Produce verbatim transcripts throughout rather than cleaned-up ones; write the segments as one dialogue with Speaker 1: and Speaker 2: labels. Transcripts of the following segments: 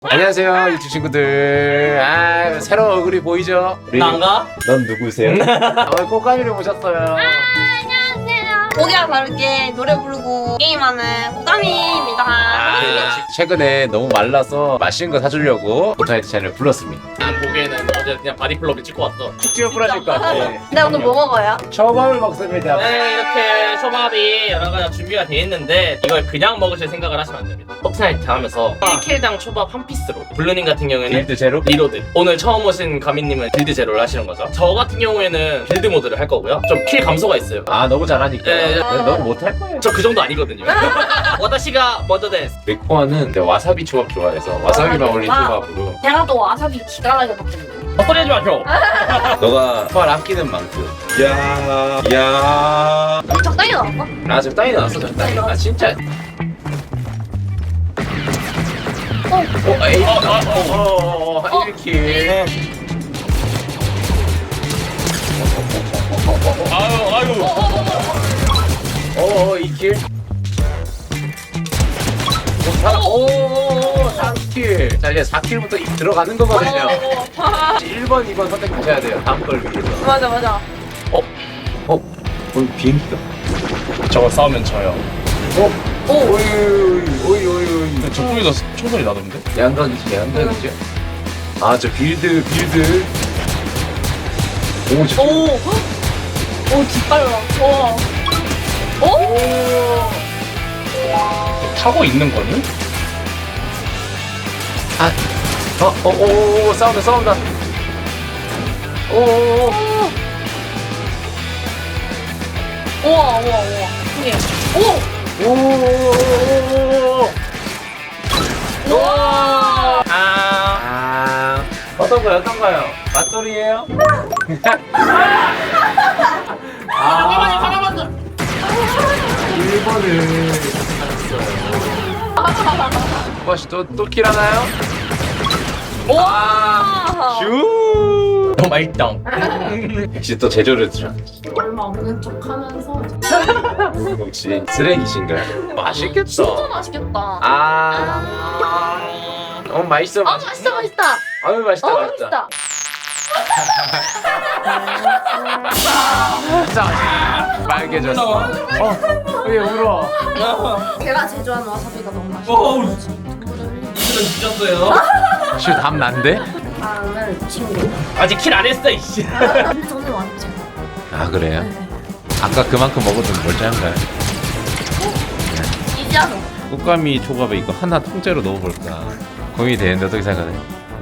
Speaker 1: 안녕하세요 유튜브 친구들. 아 새로운 얼굴이 보이죠? 우리...
Speaker 2: 난가?
Speaker 1: 넌 누구세요? 오늘 꽃가미를 모셨어요.
Speaker 3: 아, 안녕하세요. 고기와 다르게 노래 부르고 게임하는 꽃가미입니다.
Speaker 1: 아, 최근에 너무 말라서 맛있는 거 사주려고 포트나이트 채널을 불렀습니다.
Speaker 2: 난 보기에는 어제 그냥 바디플러그 찍고 왔어.
Speaker 1: 툭 부러질 것 같아.
Speaker 3: 근데 오늘 뭐 먹어요?
Speaker 1: 초밥을 먹습니다.
Speaker 2: 네, 이렇게 초밥이 여러 가지 준비가 돼 있는데 이걸 그냥 먹으실 생각을 하시면 안 됩니다. 포트나이트 하면서 일 킬당 초밥 한 피스로. 블루님 같은 경우에는
Speaker 1: 빌드 제로?
Speaker 2: 리로드. 오늘 처음 오신 가미님은 빌드 제로를 하시는 거죠. 저 같은 경우에는 빌드 모드를 할 거고요. 좀 킬 감소가 있어요.
Speaker 1: 아 너무 잘하니까.
Speaker 2: 네, 네.
Speaker 1: 너무 못할 거예요.
Speaker 2: 저 그 정도 아니거든요. 와다시가 먼저 데스.
Speaker 1: 맥코아는 와사비 초밥 좋아해서 와사비만 올린 초밥으로.
Speaker 3: 제가 또 와사비 기가 나게 먹거든요.
Speaker 2: 헛소리 하지 마쇼.
Speaker 1: 너가 초밥 아끼는 만큼. 야, 야.
Speaker 3: 적당히 나왔어?
Speaker 1: 아 적당히 나왔어 적당히. 아 진짜.
Speaker 3: 어,
Speaker 1: 어, 에이, 어, 어, 어, 어, 어, 이렇게.
Speaker 2: 아유 아유.
Speaker 1: 어, 어, 이 킬. 오, 사, 오, 삼 킬. 자, 이제 사 킬부터 들어가는 거거든요. 일 번, 이 번 선택하셔야 돼요. 다음 걸 위해서.
Speaker 3: 맞아 맞아.
Speaker 1: 어, 어, 어, 비행기다.
Speaker 2: 저거 싸우면 져요.
Speaker 1: 어, 오, 오이, 오이, 오이, 오이.
Speaker 2: 저쪽에서 총소리 나던데?
Speaker 1: 양각이지, 양각이죠. 아, 저 빌드, 빌드. 오, 저.
Speaker 3: 오, 오 뒷발라. 와. 오?
Speaker 2: 타고 있는 거니?
Speaker 1: 아, 어, 어, 오, 오, 싸운다, 싸운다. 오, 오, 오.
Speaker 3: 우와 우와 우와. 그게. 오.
Speaker 1: 오, 오, 오, 오.
Speaker 3: 우와.
Speaker 2: 아.
Speaker 1: 아, 어떤 거요, 어떤 거요? 맞돌이에요? 아,
Speaker 2: 하나만
Speaker 1: 일 번을 혹시 또, 또 킬하나요? 아, 슈!
Speaker 2: 너무 맛있다.
Speaker 1: 역시 또 제조를 들어.
Speaker 3: 얼마 없는 척하면서.
Speaker 1: 혹시 쓰레기신가요? 맛있겠다.
Speaker 3: 진짜 맛있겠다.
Speaker 1: 아, 어 맛있어.
Speaker 3: 아 맛있다 맛있다.
Speaker 1: 아유 맛있다
Speaker 3: 어
Speaker 1: 맛있다.
Speaker 3: 맛있다.
Speaker 1: 진짜 맛있다. 빨개졌어. 어, 왜 울어?
Speaker 3: 제가 제조한 와사비가 너무
Speaker 2: 어우.
Speaker 3: 맛있어.
Speaker 2: 이들은 뒤졌어요.
Speaker 1: 슈담 난데?
Speaker 3: 다음은 친구.
Speaker 2: 아직 킬 안 했어 이씨.
Speaker 3: 저는 완전.
Speaker 1: 아 그래요? 아까 그만큼 먹어도 멀쩡한가요?
Speaker 3: 이지 않아.
Speaker 1: 꽃가미 초밥에 이거 하나 통째로 넣어볼까 고민이 되는데 어떻게 생각하세요?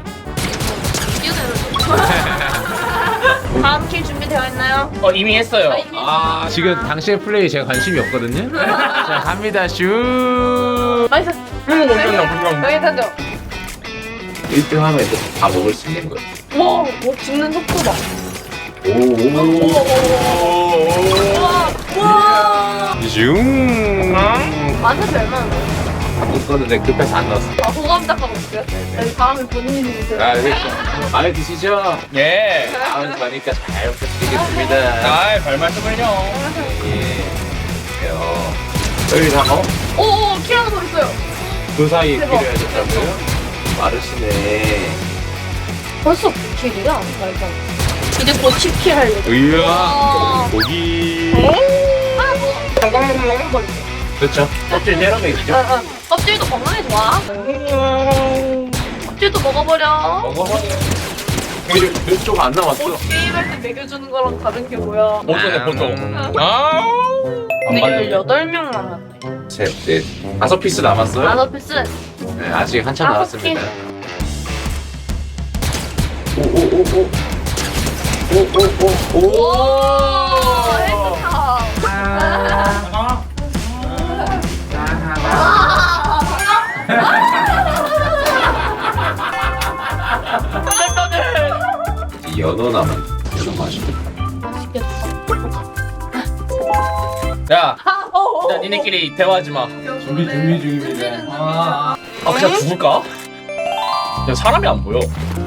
Speaker 3: 다음 킬 준비되어 있나요?
Speaker 2: 어 이미 했어요.
Speaker 1: 아 지금 당시의 플레이 제가 관심이 없거든요? 자 갑니다 슈
Speaker 3: 맛있어.
Speaker 2: 음, 엄청나, 엄청나.
Speaker 3: 여기 던져.
Speaker 1: 일 등 하면 이제 다 먹을 수 있는 거예요.
Speaker 3: 와, 뭐 죽는 속도 봐.
Speaker 1: 오오오오
Speaker 3: 와,
Speaker 1: 슝
Speaker 3: 만사지 얼마나 돼?
Speaker 1: 이거는 급해서 안 넣었어.
Speaker 3: 아, 호감 닦아고 있어요? 여기 다음에 본인이 드세요.
Speaker 1: 아 그렇죠. 마음에 드시죠?
Speaker 2: 예.
Speaker 1: 다음 거니까 잘 부탁드리겠습니다.
Speaker 2: 아이 별 말씀을요.
Speaker 1: 예. 요. 여기 다 어?
Speaker 3: 오, 오, 킬 하나 더 있어요.
Speaker 1: 그 사이에
Speaker 3: 대박.
Speaker 1: 필요해졌다고요? 빠르시네.
Speaker 3: 벌써 킬이야? 말도 안 돼. 이제 곧 십 킬 하려고.
Speaker 1: 으야
Speaker 3: 와.
Speaker 1: 고기.
Speaker 3: 아, 뭐. 건강해서 먹는 거 있어.
Speaker 1: 그렇죠. 껍질 내려가 있죠.
Speaker 3: 어, 어. 껍질도 건강에 좋아. 껍질도 먹어버려.
Speaker 1: 먹어봐. 이쪽 안 나왔어.
Speaker 3: 뭐 게임할 때 먹여주는 거랑 다른 게 뭐야?
Speaker 2: 보조네 보조.
Speaker 1: 음.
Speaker 2: 아.
Speaker 3: 근데 열여덟 명 남았네.
Speaker 1: 셋, 넷, 다섯 피스 남았어요.
Speaker 3: 다섯 피스.
Speaker 1: 네, 아직 한참
Speaker 3: 다섯
Speaker 1: 남았습니다. 오오오오. 오오오오.
Speaker 3: 오, 해수탕.
Speaker 2: 아.
Speaker 1: 이 연어 남은 연어 맛있겠다.
Speaker 3: 맛있겠다.
Speaker 2: 야,
Speaker 3: 아, 어, 어.
Speaker 2: 야 니네끼리 대화하지 마.
Speaker 1: 준비 준비 중입니다.
Speaker 2: 아, 아 그냥 죽을까? 야 사람이 안 보여.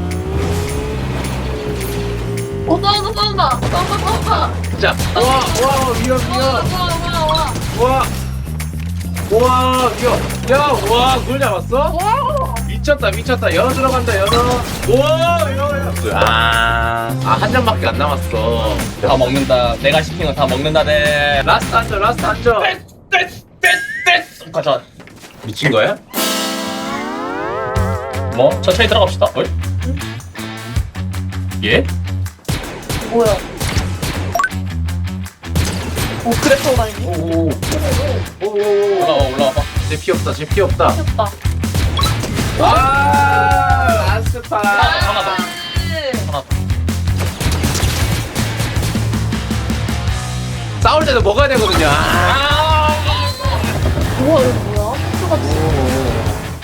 Speaker 3: 어, 싸운다, 싸운다. 싸운다, 싸운다.
Speaker 1: 자, 와, 와, 위험,
Speaker 3: 와,
Speaker 1: 위험.
Speaker 3: 와, 와, 와.
Speaker 1: 와, 와, 위험. 야, 와, 그걸 잡았어?
Speaker 3: 와.
Speaker 1: 미 미쳤다 미쳤다. 열어 들어간다 열어. 우와 열어 열어. 아한 잔밖에 안 남았어.
Speaker 2: 다 먹는다. 내가 시킨 거 다 먹는다. 네.
Speaker 1: 라스트 앉아 라스트 앉아.
Speaker 2: 됐, 됐, 됐. 가자.
Speaker 1: 미친 거야?
Speaker 2: 뭐 천천히 들어갑시다. 어이? 예?
Speaker 3: 뭐야? 오 그래서 다니니?
Speaker 1: 오오오.
Speaker 2: 올라와 올라와봐.
Speaker 1: 쟤피 없다 쟤피 없다.
Speaker 3: 귀엽다.
Speaker 1: 아 라스파.
Speaker 2: 하나 더. 하나 더.
Speaker 1: 싸울 때도 먹어야 되거든요. 아.
Speaker 2: 아.
Speaker 3: 우와 이거 뭐야? 똑같이.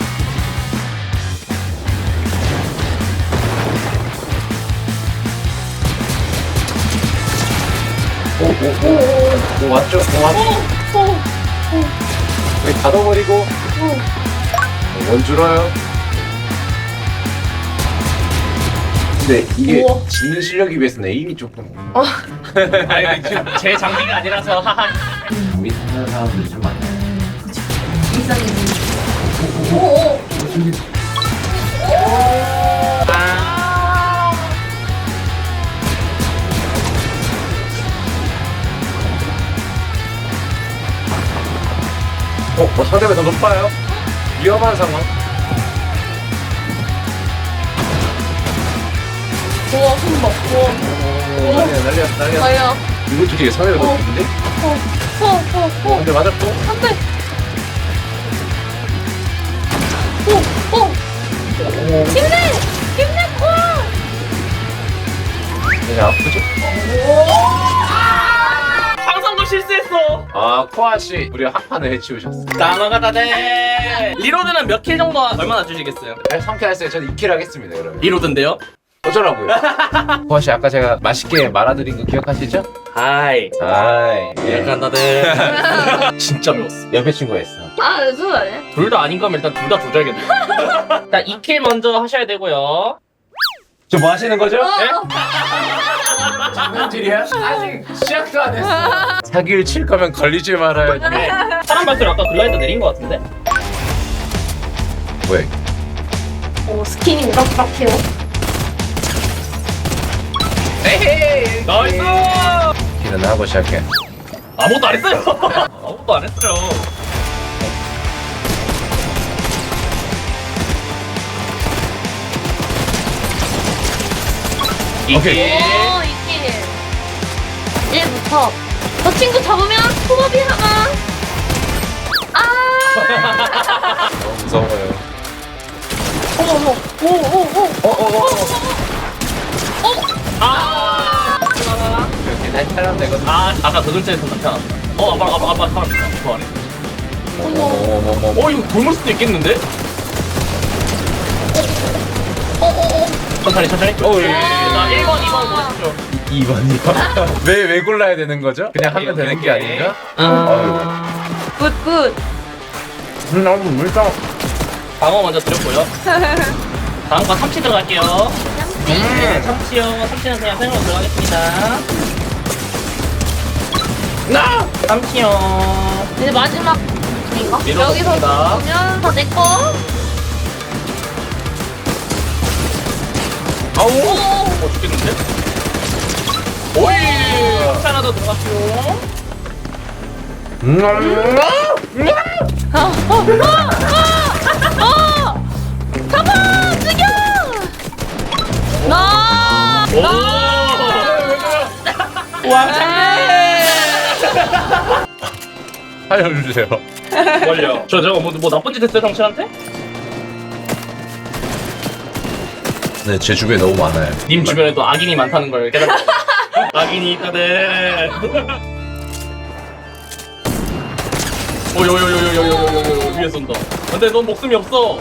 Speaker 1: 오오오오 왔죠? 오 왔죠?
Speaker 3: 오,
Speaker 1: 여기 닫아버리고
Speaker 3: 오.
Speaker 1: 원 줄어요. 근데 이게
Speaker 3: 우와.
Speaker 1: 짓는 실력이 비해서는 에임이 조금
Speaker 2: 아니 지금 제 장비가 아니라서 하하.
Speaker 1: 밑에 사람들이 좀 많아요.
Speaker 3: 오, 오.
Speaker 1: 어, 어 상대가 더 높아요. 위험한 상황.
Speaker 3: 우와 손 봐. 우와.
Speaker 1: 오, 난리야 난리야 난리야.
Speaker 3: 아야.
Speaker 1: 이것도 되게 상대가 더 높은데?
Speaker 3: 어, 어, 어, 어.
Speaker 1: 근데 맞았고.
Speaker 3: 안 돼. 오, 오. 힘내! 힘내, 코아!
Speaker 1: 되게 아프죠?
Speaker 2: 항상도 실수했어.
Speaker 1: 아 코아 씨, 우리 한 판을 해치우셨어.
Speaker 2: 나눠가다 네. 리로드는 몇 킬 정도 얼마나 주시겠어요?
Speaker 1: 네, 삼킬했어요. 저는 이 킬 하겠습니다, 여러분.
Speaker 2: 리로드인데요?
Speaker 1: 어쩌라고요? 코아 씨 아까 제가 맛있게 말아드린 거 기억하시죠?
Speaker 2: 하이.
Speaker 1: 아이, 예.
Speaker 2: 약간 다들 진짜 배웠어.
Speaker 1: 옆에 친구가 있어.
Speaker 3: 아, 무슨 말이야?
Speaker 2: 둘 다 아닌 거면 일단 둘 다 조절겠네. 자, 이 킬 먼저 하셔야 되고요.
Speaker 1: 저 뭐 하시는 거죠?
Speaker 2: 네?
Speaker 1: 장난질이야? 아직 시작도 안 했어. 사기를 칠 거면 걸리지 말아야지.
Speaker 2: 사람 발소리 아까 글라이더 내린 거 같은데?
Speaker 1: 뭐야?
Speaker 3: 오, 스킨이 우락부락해요.
Speaker 1: 에헤이.
Speaker 2: 나이스!
Speaker 1: 길은 하고 시작해.
Speaker 2: 아무것도 안 했어요. 아무것도 안 했어요.
Speaker 1: 오케이.
Speaker 3: 오, 이킬. 일부터. 저 친구 잡으면 호흡이 하나. 아!
Speaker 1: 너무 무서워요.
Speaker 3: 어머, 어머. 오, 오, 오.
Speaker 1: 어어어.
Speaker 2: 아!
Speaker 1: 이렇게 날 사람 되거든.
Speaker 2: 아, 아까 그 글자에서 나타났다. 어, 아빠, 아빠, 아빠, 사람 있다. 그 안에.
Speaker 1: 어머머머머.
Speaker 2: 어, 이거 돌물 수도 있겠는데?
Speaker 3: 어, 어, 어.
Speaker 2: 천천히, 천천히.
Speaker 1: 어, 예, 예, 예.
Speaker 2: 자, 일 번, 이 번 보시죠.
Speaker 1: 이 번이요? 왜, 왜 골라야 되는 거죠? 그냥 하면
Speaker 2: 오케이,
Speaker 1: 되는 게
Speaker 2: 오케이.
Speaker 1: 아닌가?
Speaker 2: 음.
Speaker 3: 굿, 굿.
Speaker 1: 음, 너무 물성.
Speaker 2: 방어 먼저 드렸고요. 다음 거 참치 들어갈게요. 네, 참치요. 참치는 그냥 생으로 들어가겠습니다.
Speaker 1: 나!
Speaker 2: 참치요.
Speaker 3: 이제 마지막 인가?
Speaker 2: 밀어넣습니다.
Speaker 3: 여기서 보면 다 내 거.
Speaker 1: 아우!
Speaker 2: 어, 죽겠는데? 오이! 참치 하나 더 들어갔고요.
Speaker 1: 음,
Speaker 3: 아, 어, 어, 어, 어! 잡아! 죽여! 나!
Speaker 2: 오! 왕창네!
Speaker 1: 살려주세요.
Speaker 2: 뭘요? 저 저거 뭐, 뭐 나쁜 짓 했어요, 당신한테?
Speaker 1: 네, 제 주변에 너무 많아요.
Speaker 2: 님 주변에도 악인이 많다는 걸 깨달았어. 악인이 있다네. 오요요요요요요요요 위에 쏜다. 근데 넌 목숨이 없어.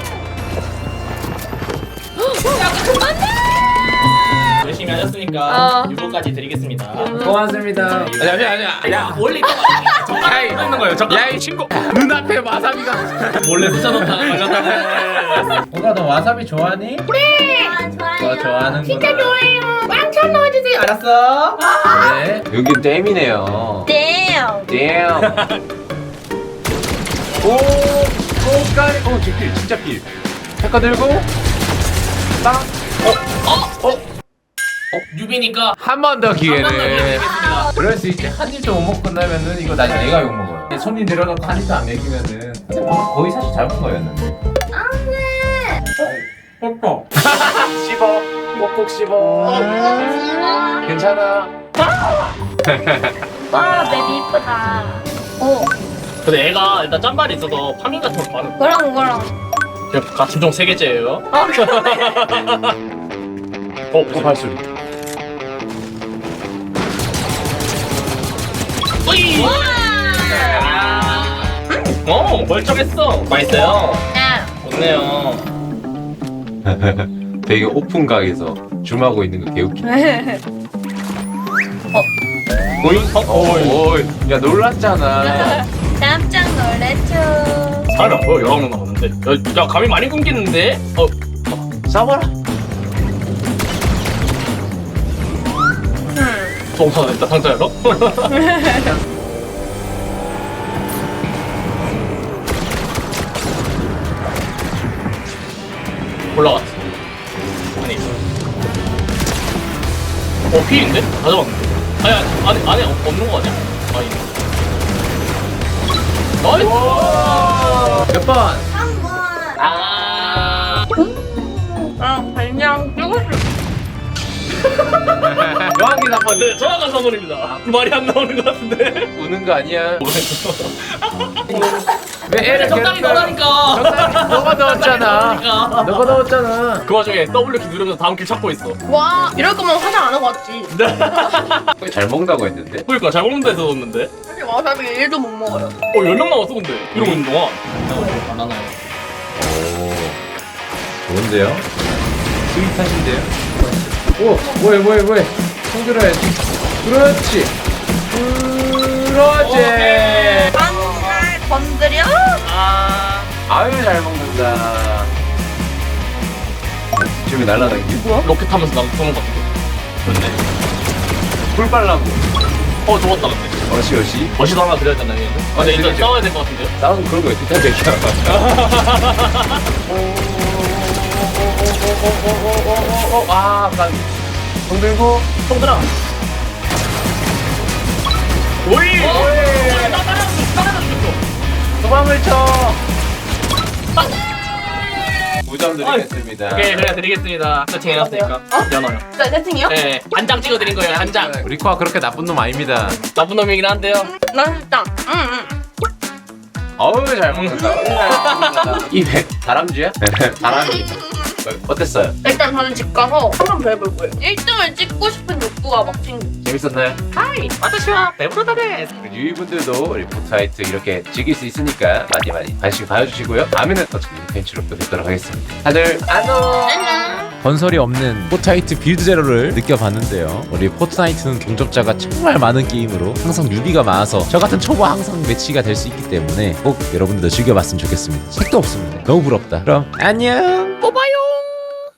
Speaker 2: 열심히 하셨으니까
Speaker 3: 어.
Speaker 2: 유로까지 드리겠습니다.
Speaker 1: 고맙습니다. 아니, 아니, 아니.
Speaker 2: 야 원래 이거 정말 있는 거예요. 저
Speaker 1: 야, 이 친구! 눈앞에 와사비가.
Speaker 2: 몰래 붙여놓다가 말렸다고.
Speaker 1: 오가 너 와사비 좋아하니?
Speaker 3: 아, 좋아요.
Speaker 1: 너 좋아하는
Speaker 3: 진짜
Speaker 1: 거다.
Speaker 3: 좋아요. 왕창 넣어주세요.
Speaker 1: 알았어. 네. 여기 댐이네요.
Speaker 3: damn.
Speaker 1: 댐. 오, 오, 까리. 어, 제 필, 진짜 필. 패커 들고 땅. 어? 어?
Speaker 2: 뉴비니까
Speaker 1: 한 번 더
Speaker 2: 한 번 더 기회
Speaker 1: 기회를.
Speaker 2: 드리겠습니다.
Speaker 1: 그럴 수 있지. 한 입도 못 먹고 끝나면은 이거 나중에 내가 욕 먹어요. 손님 내려놓고 한 입도 안 먹이면은 근데 거- 거의 사실 잘못 거였는데. 뽀뽀. 씹어. 꼭꼭 씹어. 괜찮아.
Speaker 3: 와 베비 이쁘다. 오
Speaker 2: 근데 애가 일단 짠발이 있어서 파밍 같은 거 많은
Speaker 3: 그럼 그럼.
Speaker 2: 거. 가춤종 세 개째예요.
Speaker 3: 아 그러네.
Speaker 2: 어, 무슨 발소리? 으이! 어, 멀쩡했어. 맛있어요.
Speaker 3: 네.
Speaker 2: 좋네요.
Speaker 1: 되게 오픈각에서 줌하고 있는 거 개웃기.
Speaker 2: 오이? 어,
Speaker 1: 오, 오, 야 놀랐잖아.
Speaker 3: 깜짝 놀랬죠.
Speaker 2: 사람이 안 보여. 여러 명 나오는데. 야, 야, 감이 많이 끊기는데? 어,
Speaker 1: 싸워라.
Speaker 2: 동사가 됐다, 상자로. 올라갔어. 아니. 어, 피인데? 다 잡았는데? 아니, 아니, 안에, 안에 없는 거 아니야? 아니. 나이스!
Speaker 1: 몇 번?
Speaker 3: 한 번.
Speaker 2: 아.
Speaker 3: 아 그냥 뜨고 싶.
Speaker 1: 여왕기 사건
Speaker 2: 네, 정확한 선물입니다. 말이 안 나오는 것 같은데?
Speaker 1: 우는 거 아니야? 왜 애를
Speaker 2: 적당히
Speaker 1: 괴롭혀?
Speaker 2: 넣으라니까!
Speaker 1: 적당히 너가 넣었잖아.
Speaker 2: 그러니까.
Speaker 1: 너가 넣었잖아.
Speaker 2: 그 와중에 더블유 키 누르면서 다음 길 찾고 있어.
Speaker 3: 와 이럴 거면 화장 안 하고 왔지.
Speaker 1: 잘 먹는다고 했는데.
Speaker 2: 그러니까 잘 먹는 데서 넣었는데?
Speaker 3: 사실 와사비 일도 못 먹어요.
Speaker 2: 어, 연락 나왔어, 근데. 이러고 있는 동안. 안 하나요?
Speaker 1: 오, 좋은데요? 스윗하신데요? 오, 뭐해, 뭐해, 뭐해. 손 들어야지. 그렇지. 그렇지.
Speaker 2: 오케이.
Speaker 3: 안날 건드려.
Speaker 2: 아.
Speaker 1: 아유, 잘 먹는다. 지금 날라다니기.
Speaker 2: 뭐야? 로켓 타면서 나도 쏘는 것 같은데. 그렇네.
Speaker 1: 불 빨라고.
Speaker 2: 어, 좋았다, 근데.
Speaker 1: 어시, 어시.
Speaker 2: 멋이도 하나 드려야 되나, 얘는? 아, 근데 일단
Speaker 1: 드려야죠.
Speaker 2: 싸워야 될 것 같은데요?
Speaker 1: 나는 그런 거 어떻게 하겠냐. 아, 난. 손 들고.
Speaker 2: 손 들어. 오이!
Speaker 1: 오이!
Speaker 2: 나 따라서, 따라서 죽였어.
Speaker 1: 도망을 쳐. 구 점 드리겠습니다.
Speaker 2: 오케이, 그래, 드리겠습니다. 세팅 해놨으니까.
Speaker 3: 어?
Speaker 2: 연어요.
Speaker 3: 자 세팅이요?
Speaker 2: 네, 한 장 찍어드린 거예요, 한 장.
Speaker 1: 리코가 그렇게 나쁜 놈 아닙니다.
Speaker 2: 나쁜 놈이긴 한데요.
Speaker 3: 난 일단 응응.
Speaker 1: 어우, 잘 먹는다. 입에 다람쥐야? 다람쥐. 어땠어요?
Speaker 3: 일단 저는 집 가서 한번 더 해볼 거예요. 일 등을 찍고 싶은 욕구가 막 생겨.
Speaker 1: 재밌었나요?
Speaker 2: 하이, 와타시와 배부르다 데스.
Speaker 1: 유이분들도 리포트하이트 이렇게 즐길 수 있으니까 많이 많이 관심 가져주시고요. 다음에는 더 재밌는 팬츠로 또 뵙도록 하겠습니다. 다들 안녕.
Speaker 3: 안녕.
Speaker 4: 건설이 없는 포트나이트 빌드 제로를 느껴봤는데요. 우리 포트나이트는 동접자가 정말 많은 게임으로 항상 유비가 많아서 저 같은 초보 항상 매치가 될 수 있기 때문에 꼭 여러분들도 즐겨봤으면 좋겠습니다. 책도 없습니다. 너무 부럽다. 그럼 안녕.